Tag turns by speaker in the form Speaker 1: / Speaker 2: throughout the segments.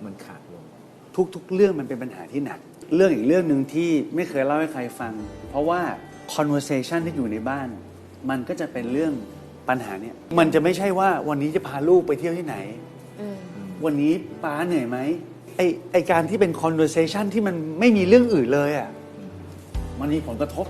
Speaker 1: มันขาดลง
Speaker 2: ทุกเรื่องมันเป็นปัญหาที่หนักเรื่องอีกเรื่องหนึ่งที่ไม่เคยเล่าให้ใครฟังเพราะว่า conversation ที่อยู่ในบ้านมันก็จะเป็นเรื่องปัญหาเนี่ยมันจะไม่ใช่ว่าวันนี้จะพาลูกไปเที่ยวที่ไหนวันนี้ป้าเหนื่อยไหมไอการที่เป็น conversation ที่มันไม่มีเรื่องอื่นเลยอ่ะมันมีผลกระทบ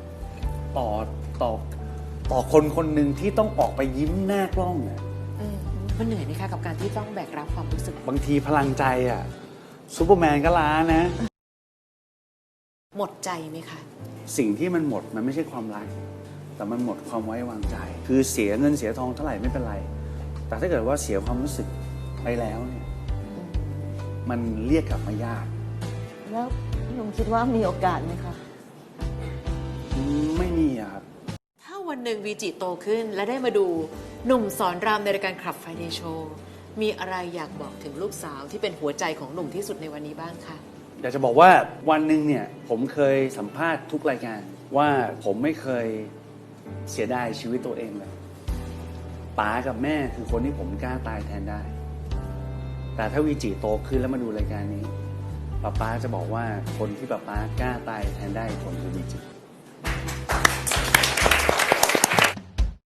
Speaker 2: ต่อคนคนหนึ่งที่ต้องออกไปยิ้มหน้ากล้องอ่ะ
Speaker 3: มันเหนื่อยไหมคะกับการที่ต้องแบกรับความรู้สึก
Speaker 2: บางทีพลังใจอ่ะซูเปอร์แมนก็ล้านะ
Speaker 3: หมดใจไหมคะ
Speaker 2: สิ่งที่มันหมดมันไม่ใช่ความรักแต่มันหมดความไว้วางใจคือเสียเงินเสียทองเท่าไหร่ไม่เป็นไรแต่ถ้าเกิดว่าเสียความรู้สึกไปแล้วเนี่ยมันเรียกกลับมายาก
Speaker 4: แล้วพี่หนุ่มคิดว่ามีโอกาสไหมคะ
Speaker 2: ไม่มีอะครับ
Speaker 3: ถ้าวันหนึ่งวีจิโตขึ้นและได้มาดูหนุ่มสอนรามในรายการคลับไฟเดย์โชว์มีอะไรอยากบอกถึงลูกสาวที่เป็นหัวใจของหนุ่มที่สุดในวันนี้บ้างคะ
Speaker 2: อยากจะบอกว่าวันหนึ่งเนี่ยผมเคยสัมภาษณ์ทุกรายการว่าผมไม่เคยเสียดายชีวิตตัวเองเลยป๋ากับแม่คือคนที่ผมกล้าตายแทนได้แต่ถ้าวีจิโตขึ้นแล้วมาดูรายการนี้ป๊าจะบอกว่าคนที่ป๊ากล้าตายแทนได้คนคือวีจิ